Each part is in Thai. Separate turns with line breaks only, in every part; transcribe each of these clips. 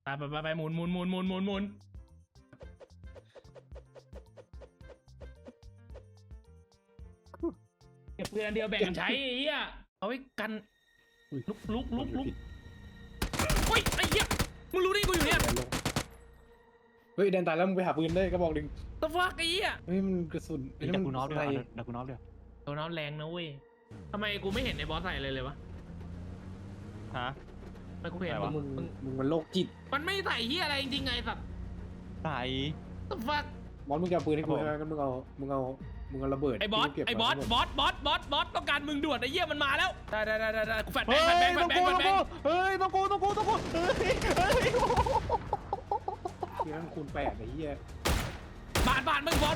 ไปหมุนเก็บเพื่อนเดียวแบ่งกันใช้ไอ้เหี้ยเอาไว้กันลุกเฮ้ยไอ้เหี้ยมึงรู้ได้กูอยู่เนี่ย
เฮ้ยแดนตายแล้วมึงไปหาปืนได้กระบอกหนึ่ง
ตะฟักไอ้เหี้ย
เฮ้ยมันกระสุน
ดักกูน็อฟด้วยดักกูน็อฟด้วย
โดนน้ำแรงนะเว้ยทำไมกูไม่เห็นในบอสใส่เลยเลยวะ
ฮะ
ทำไมกูเห็น
อะไรวะ
มึงมันโรคจิต
มันไม่ใส่เหี้ยอะไรจริงๆไงสัตว์
ใส่
ตะฟัก
มอนมึงจะเอาปืนให้กูใช่ไหมก็มึงเอาระเบิด
ไอ้บอส
ที่กูเก็
บอส
มาทั้งหมด
ต้องการมึงด่วนไอ้เหี้ยมันมาแล้วได้กูแฟดแบ
เฮ้
ง
ย
ค์แบงค์
ต้องกูเฮ้ยต้องกูเฮ้ย
เดี๋ยวมันคูณ8ไอ้เหี้ย
บาดมึงบอส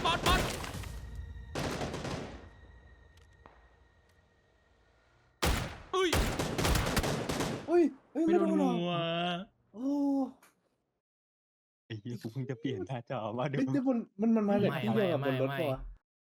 เฮ้ย
เฮ้ยไม่
ไม่
โด
โด
น
น
หรอ
หัว
โอ้
ไอ้เหี้ยกูเพิ่งจะเปลี่ยนหน้าจอมาดู
เฮ้ยแต่มันมาจากที่เดียวกับบนรถปะวะ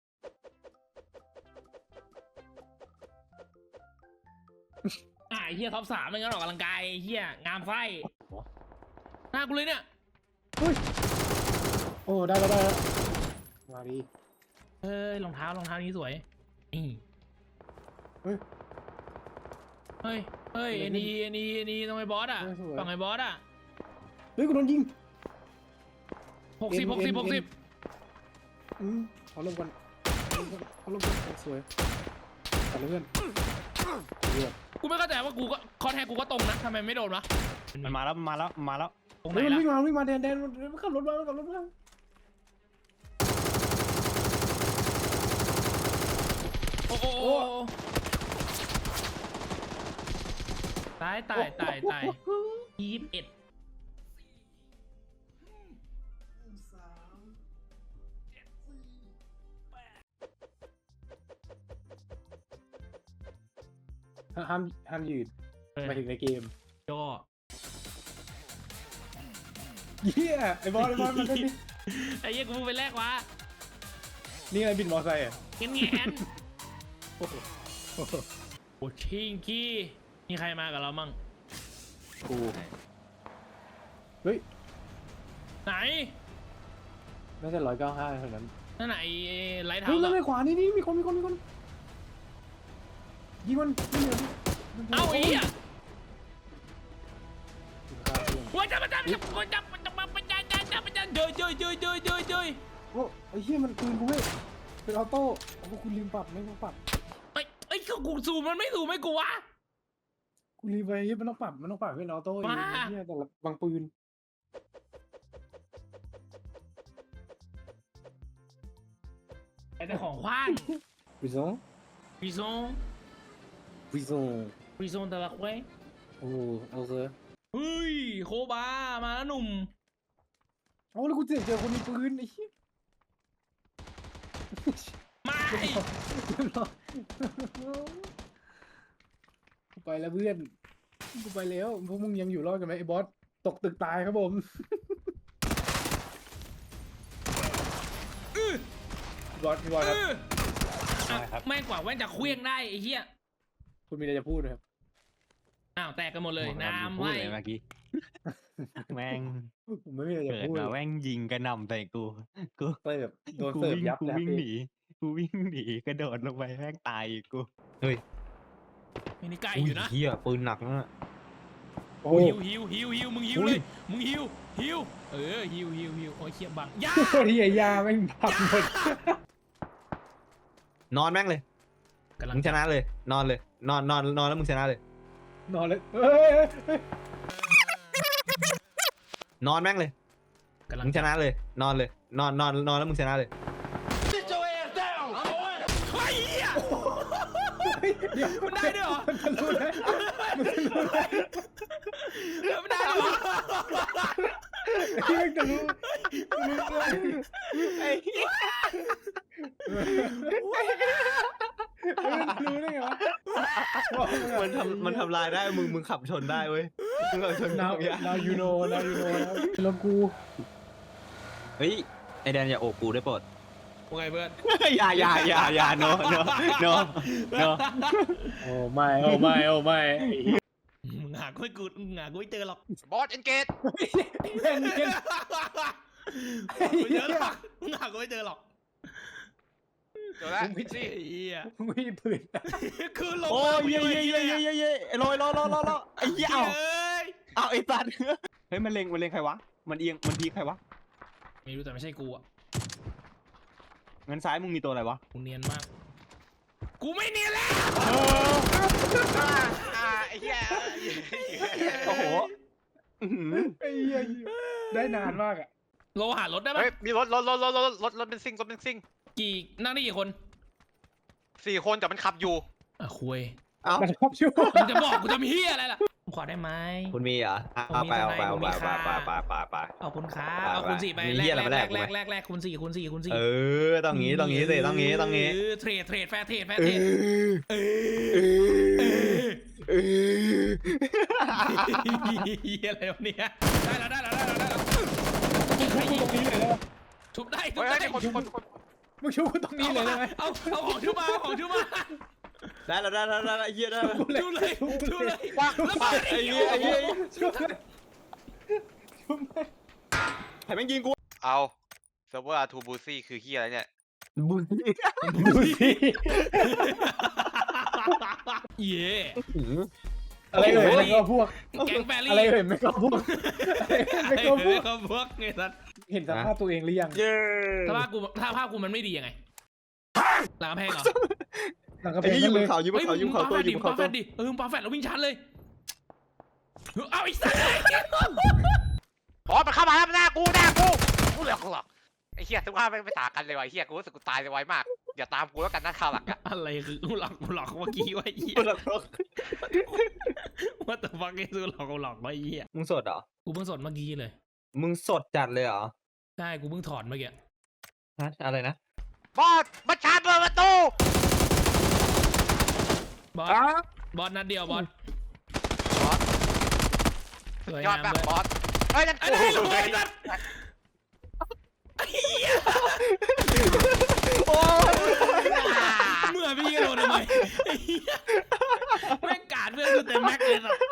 ไอ้เหี้ยท็อป3ไม่งั้นออกกำลังกายเหี้ยงามไส้หน้ากูเลยเนี่ย
เฮ้ยโอ้ได้แล้วมาดี
รองเท้านี้สวยนี่
เฮ้ย
เฮ้ยไอ้นี่ทำไมบอสอ่ะ
สวย
ฝั่งไอ้บอสอ่ะ
เฮ้ยกูโดนยิง
60
ขอลงกันสวยตัดเลยเพื่อนเลือด
กูไม่เข้าใจว่ากูก็คอนแทคกูก็ตรงนะทำไมไม่โดนวะ
มันมาแล้ว
ตรงไหน
เฮ้ยมัน
ล่ะ
วิ่งมาแดนมันขับรถมา
โอ้ตาย21
ห้ามยืนมาถึงในเกม
ย่อ
เฮียไอ้บอลมันได้ดิ
ไอ้เหี้ยกูไปแรกวะ
นี่ไงบินมอไซค์อ่ะ
แงนโอ้ชิงกี้มีใครมากับเรามั่ง
กูเฮ้ย
ไหน
น่าจะ195เท่านั้น
นั่นไหนไลท์เท้า
เฮ้ยแล้ว
ส์
ในขวานี่มีคนยิงมันไม่เหลือ
เอ้าไอ้เหี้ย
โ
ว่าจะเจย
อ้ไอ้เหี้ยมันปืนกูไม่เป็นออโต้โอ้คุณลืมปรับไม่ต้องปรับ
ไอ้กูซูมมันไม่ซูมไม่กูวะ
กูลืมไปเฮ้ยมันต้องปรับเป็นออโต้เองเหี้ยแต่ละบางปืน
ไอ้แต่ของขว้าง
วิซง
พิซงแต่ละเว้ย
โอ้เอาเถอะ
เฮ้ยโคบามาแล้วหนุ่ม
เอาแล้วกูเจอคนมีปืนไอ้เหี้ย
มา
กูไปแล้วเพื่อนกูไปแล้วพวกมึงยังอยู่รอดกันไหมไอ้บอสตกตึกตายครับผมพี่บอสครับ
แม่งกว่าแว่นจะเคลี้ยงได้ไอ้เหี้ย
คุณมีอะไรจะพูดไหมครับ
อ้าวแตกกันหมดเลยน้ำ
พูด
ไล่
เลยเมื่อกี้แม่ง
ผมไม่มีอะไรจะ
เกิด
พูด
มาแม่งยิงกระหน่ำใส่กู
เสิร์ฟโดนเสิร์ฟยับ
กู
แล้ว
วิ่งหนีกระโดดลงไปแม่งตายอีกกูเฮ้ย
มินิไก่อยู่นะ
เฮียปืนหนักนะ
โอ้
หิวมึงหิวเลยมึงหิวหิวโอ้ยเขี้ยบังย่า
ที่ยาแม่งพังหมด
นอนแม่งเลย
กำลัง
มึงชนะเลย นอนเลยนอนแล้วมึงชนะเลย
นอนเลย
นอนแม่งเลย
กำลัง
มึงชนะเลย นอนเลยนอนแล้วมึงชนะเลย
เฮ้ยเหี้ย
เดี๋ยว
มันได้ด้วยเหรอ
มันรู้ได้
มันได้ด้วยเหรอ
ที่แม่งจะรู้
ไอ้เหี้ย
รู้ได้ไงวะ
มันทำลายได้มึงขับชนได้เว้ยมึงขับชน
นา
ได้
วยูโนนะแล้วกู
เฮ้ยไอแดนอย่าโอบกูได้โปรด
ว่าไงเพื่อน
อย่าโน
มึงหาากูไม่กูมึงหากูไม่เจอหรอก
บอสเอนเกต
แม่งเนี่ย
ไม่เจอหรอกมึงหากูไม่เจอหรอก
เจอแล้ว
ไม่ใช่
ไอ้เหี้ย
ไม่มีปืน
คือลง
โอ้ย
มา
เย้เย้เย้เย้เย้ไอ้ลอยรอไอ้เหี้ย
เอ้ย
เอาไอ้สัตว์เฮ้ยมันเล็งใครวะมันเอียงมันพีใครวะ
ไม่รู้แต่ไม่ใช่กูอ่ะ
งั้นซ้ายมึงมีตัวอะไรวะ
กูเนียนมาก กูไม่เนียนแล้ว
ไอ้เหี้ย
โอ้โหอื้อหือ
ไอ้เหี้ยได้นานมากอ่ะ
โลหารถได้ปะ
เฮ้ยมีรถเป็นซิ่ง
กี่นั่งได้กี่คน
4 คนแต่มันขับอยู่
คุย
เอ้า
มันชอบชั่ว
มึงจะบอกกูจะมีเฮียอะไรล่ะขอได้ไหม
คุณมีเหรอเอาไป
เอาคุณค้า
ไป
เอาคุณสี่ไป
มี
แล
เหี้ยอะไรมาแลก
แลกคุณสี่คุณสี่คุณสี่
เออต้องงี้สิต้องงี้
เทรดแฟร์เทรด เฮียอะไรวะเนี่ยได้แล้วทุบได้
เฮ้ยมีคน
มึงชูกูตรงนี้เลยได้ไหม
เอาของทุบมา
ได้แล้วเหี้ยได้
ทุบเลย
ว้าง
ไอ้เหี้ย
ชูเลยชูเลย
ใครแม่งยิงกู
เอาเซิร์ฟเวอร์ทูบูซี่คือเหี้ยอะไรเนี่ย
บุญ
ดูสิ
เย่
อะไรเอ่ยไม่ก็พวก
แก๊งแฟรี่
อะไรเอ่ยไม่ก็พวกไม่ก็พวก
ก็พวกไงสัส
เห็นสภาพตัวเองหรือยัง
เย้
ถ้าภาพกูมันไม่ดียังไงหลังกำแพงเหรอ
หลังกระ
ไอ้
เพง
นี่อยู่บ
เล
น
ย
เขาอยู่บนเขาอยู่บนเขาตัวอยู่บนเขา
ปาแฟ
ตัว
ดดิมึงปาแฟดแล้ววิ่งชันเลยเอาอีกสัส
บอสมันเข้ามาแล้วหน้ากูกูเหลือกไอ้เหี้ยทุกข้าไม่ต่างกันเลยว่ะไอ้เหี้ยกูรู้สึกกูตายไวมากอย่าตามกูแล้วกันนะคราวหลังอะ
อะไรคือกูหลอกเมื่อกี้ว่าเหี้ยว่าแต่ฟังไอ้ซูหลอกว่าเหี้ย
มึงสดเหรอ
กูเพิ่งสดเมื่อกี้เลย
มึงสดจัดเลยเหรอ
ใช่กูเพิ่งถอนเมื่อกี้
ฮะอะไรนะ
บอสมันชาร์จเปิดประตู
บอสนัดเดียวบอสสวย
ยอด
งาม
มาก
เลย
บอสเฮ้ยนั่น
ไอ้
กู
โอ้ยสัส
โอ้ย
เมื่อพี่โดนทำไมแม่งกาดเพื่อนกูเต็มแม็กเลยสัส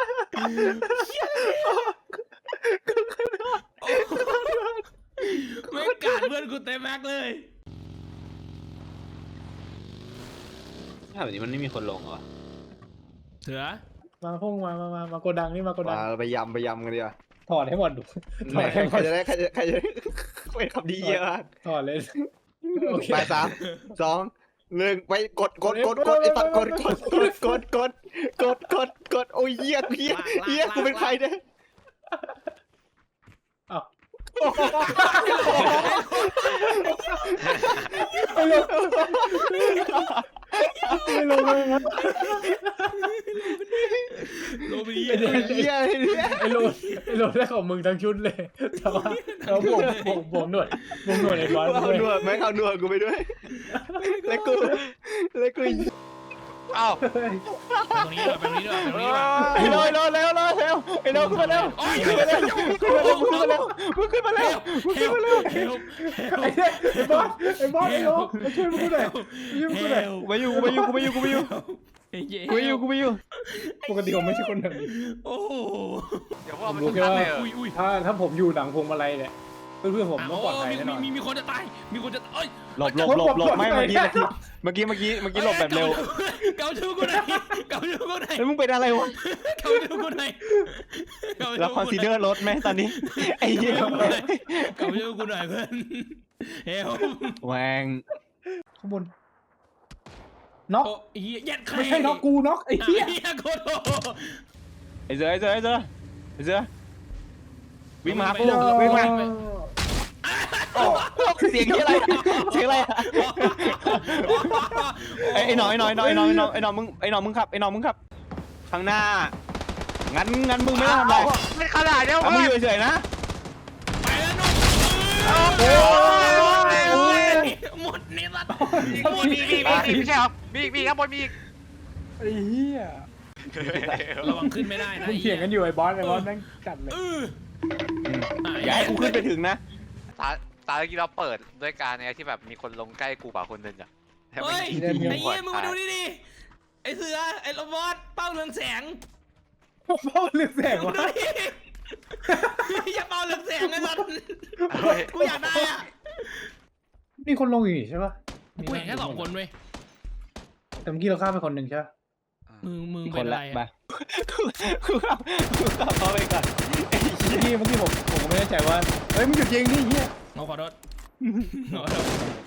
แม่งกาดเพื่อนกูเต็มแม็กเลย
ถ้าแบบนี้มันไม่มีคนลงเหรอ
เสือ
มาพุ่งมาโกดังนี่มาโกดัง
มาไปยำกันดีกว่า
ถอดให้หมดดูถ
ไหน
อดให้หม
ใคร
ด
จะได้เป็นคำดีเยอะมาก
ถอดเลยโอเค
ไป3 2 1ไปกดไอ้ตัดกดโอ้ยเหี้ยกูเป็นใครเนี่ย
อ้าวไม่ลงเลยนะ
โรบี
ไอ้เหี้ย
ไอ้โลได้ของมึงทั้งชุดเลยแต่ว่าเราบ่งหนวดไอ้บอส
เอาหนวดไหมเอาหนวดกูไปด้วยแล้วกู
เอ้า
ตรงนี้ด้วยตรงนี้ด้วย
ไอ้ลอยแล้วไอ้ลอยขึ้นมาแล้ว
โอ้ย
มึงขึ้นมาแล้ว
ไอ้บอสไอ้โลมาช่วยมึงหน่อย
กูไปอยู่
ปกติผมไม่ใช่คนแบบนี้
โอ้โห
เดี๋ยวพวกมัน
รู้
ทุก
แค่
คัน
ว่า
เลยเหรอ
อุ้ย
ถ้าผมอยู่หลังพวงมาลัยเนี่ยเพื่อนผมต้องปลอดภัยแน่นอน
มีคนจะตายมีคนจะเอ้ย
หลบไม่เมื่อกี้หลบแบบเร็ว
เกาชูกูไหน
แล้วมึงเป็นอะไรวะ
เกาชูกูไหน
แล้วคอนซีเดอร์รถไหมตอนนี้ไอ้เหี้ย
เกาชูกูหน่อยเพื่อนเฮล
แหวง
ข้างบนน็อก
โอ้ยยัดใคร
ไม่ใช่น็อกกูน็อกไอ้เหี้ย
โคตร
ไอ้เสือวิ่งมาปุ๊บวิ่งมาเสียงที่อะไรไอ้หน่อยมึงขับข้างหน้างั้นมึงไม่ต้องทำอะไร
ไม่ขนาดเดียว
มึง
เพื่อน
อยู่เฉยๆนะ
ไปแล้วนุ่มหมดเนี่ยสัตว์
มีไม่ใช่เหรอมีข้างบนมีอีก
ไอ้เหี้ย
ระวังขึ้นไม่ได้นะ
มึงเถียงกันอยู่ไอ้บอสแม่งจัดเลย
อย่าให้กูขึ้นไปถึงนะ
ตาเมื่อกี้เราเปิดด้วยการเนี่ยที่แบบมีคนลงใกล้กูกว่าคนนึงอะ
เฮ้ยไอ้เหี้ยมึงมาดูนี่ดิไอ้เสือไอ้โรบอทเป้าเรืองแสง
เพราะเรื่องแสงวะ
อย่าเป่าเรืองแสงไอ้สัตว์กูอยากได้อ่ะ
มีคนลงอยู่นี่ใช่ปะ
กูเห็นแค่2 คนเว้ย
แต่เมื่อกี้เราฆ่าไปคนหนึ่งใช่ปะ
มึง
ค
เป็น
น
อะไร
ละ
อะ
มากูขับเขาไปก่อน
เมื่อกี้ผมก็ไม่แน่ใจว่าเฮ้ยมึงหยุดยิงนี่เฮีย
ขอโทษขอโทษ